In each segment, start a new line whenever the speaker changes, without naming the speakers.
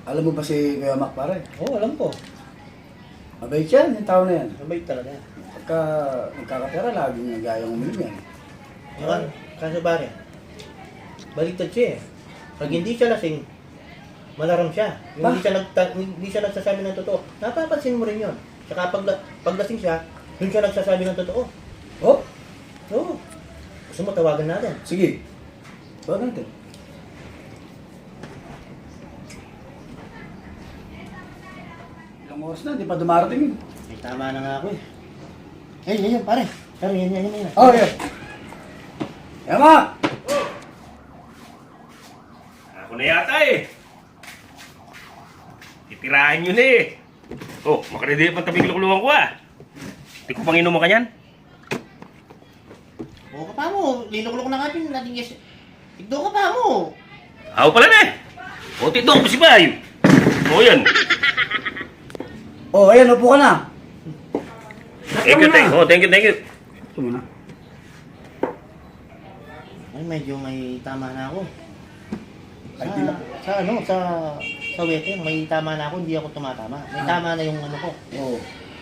Alam mo ba si Kuya Mac, pare?
Oo, alam ko.
Mabait yan, yung tao na yan.
Mabait talaga.
Pagka nagkakapera, laging nagayang uminom yan.
Kaso pare, baliktad siya eh. Pag hindi siya lasing, malaram siya. Yung hindi siya nagsasabi ng totoo. Napapansin mo rin yun. Saka pag lasing siya, dun siya nagsasabi ng totoo.
Oh,
Oo. Gusto mo tawagan natin?
sige. Tawag natin. Ilang oras na, di pa dumarating yun.
Ay, tama na nga ako eh. Yan, pare. Pero yan.
Oh, yeah. Yama!
Ako na yata eh. Titirahan yun eh. Oh, makaredy pa tabing lukuluhan ko ah. Hindi ko pang inuman ka niyan.
Oo ka pa mo. Linukulok na nga din natin yes. Igdo ka pa mo.
Ako pala na eh. O, tito ko si Bayo. O yan.
Oh, ayan, upo ka na.
Thank you. Oh, thank you.
Ito muna.
Ay, medyo may tama na ako.
Ay, di na.
Sa weteng, may tama na ako, hindi ako tumatama. May tama na yung ano ko.
Oo.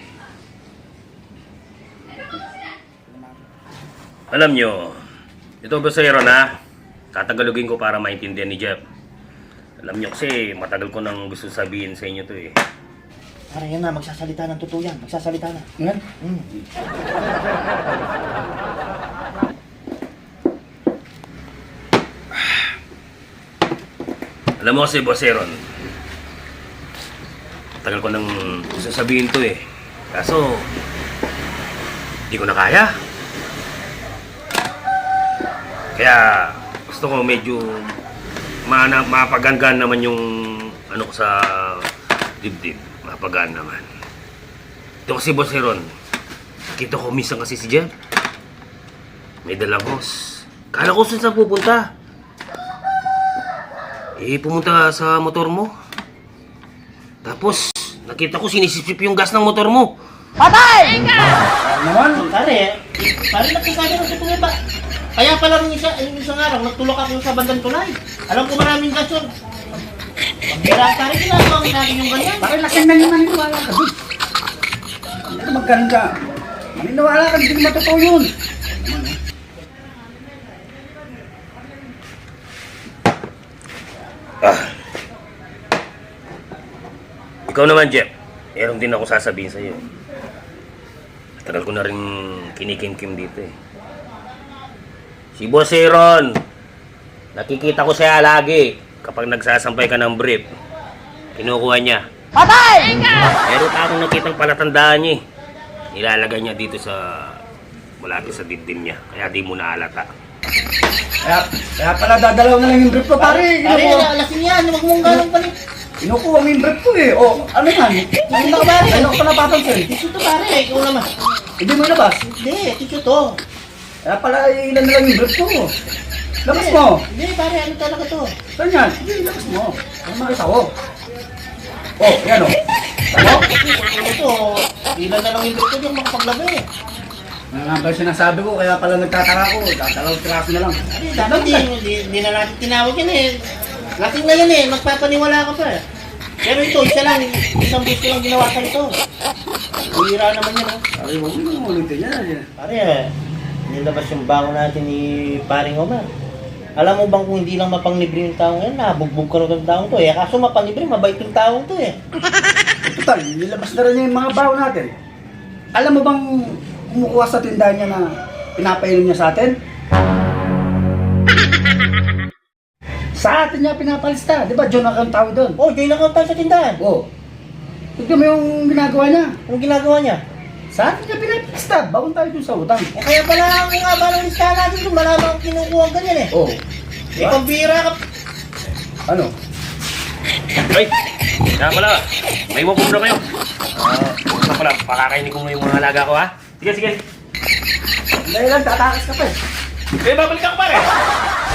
Alam nyo, ito Bosero na, tatagalogin ko para maintindihan ni Jeff. Alam nyo kasi, matagal ko nang gusto sabihin sa inyo to eh.
Para yan na, magsasalita ng totoo yan. Magsasalita na.
Yan.
Alam mo kasi, Boseron, tagal ko nang gusto sabihin to eh. Kaso, hindi ko na kaya. Kaya, gusto ko medyo mapagangan naman yung ano ko sa dibdib. Mapagaan naman. Ito kasi, Boseron, kita ko minsan kasi si Jeff. May dalang hos. Kala ko saan pupunta. Pumunta sa motor mo. Tapos, nakita ko sinisipsip yung gas ng motor mo.
Patay!
Naman?
Pare nagsasabi ng totoo ba? Kaya pala yung isang araw, nagtulak ako sa bandang tulay. Alam ko maraming gas yun. Pagkira, pare, ginagawa ko natin yung ganyan.
Pare, lasing na yung maniniwala ka doon. Ito magkaroon ka. Maniniwala ka, hindi matotoo yun.
Ikaw naman, Jeff. Meron din ako sasabihin sa'yo. Tagal ko na rin kinikim-kim dito eh. Si Boss Aaron, nakikita ko siya lagi kapag nagsasampay ka ng brief. Kinukuha niya.
Patay!
Meron akong nakitang palatandaan niya eh. Nilalagay niya dito sa malapit sa dibdib niya. Kaya di mo naalata.
Kaya pala dadalaw na lang yung brief ko, pare.
Pare, lasing yan. Huwag mong ganong palit.
Kinukuha mo yung brief ko eh. O, ano yan?
Nakita ko pare.
Ano ko pa napapansin?
Tissue to pare, ikaw naman.
Hindi mo ilabas.
Hindi, tissue to.
Kaya pala ilan na lang yung brief ko. Labas mo.
Hindi pare, ano talaga to?
Saan yan? Hindi, labas mo. Ano makita ko? Oh, yan o. Ano?
Ano to? Ilan na lang yung dito yung makapaglabi eh.
Ano nga ba yung sinasabi ko? Kaya pala nagtataka ko. Dadalawang tiraso na lang.
Dapat di na natin tinawag yan eh. Lasing na yan eh, magpapaniwala ka pa eh. Pero ito, isa lang, isang beses ko lang ginawa ka ito. Hira naman yan oh.
Sabi mo, hindi mo ulitin yan.
Pare eh, nilabas yung bango natin ni Paring Omar. Alam mo bang kung hindi lang mapanglibre yung taong yan, nabugbog ka na ng taong to eh. Kaso mapanglibre, mabait yung taong to eh.
Total, nilabas na rin niya yung mga baho natin. Alam mo bang kumukuha sa tindahan niya na pinapainom niya sa atin? Sa atin niya pinapalista. Di ba, John ang tawag doon?
Oh, join account tayo sa tindahan.
Oo. Tignan mo yung ginagawa niya.
Anong ginagawa niya?
Sa atin niya pinapalista. Bawang tayo dun sa utang.
Eh kaya pala ang nga ba ng listahan natin kung malamang kinukuha ang ganyan eh.
Oo.
Eh pambira ka.
Ano?
Ay! Kaya pala, may wapong na kayo. Basta pala, pakakainin ko mo yung mga alaga ko ha. Sige.
Dahil lang, tatakas ka pa eh.
Babalik ako pare!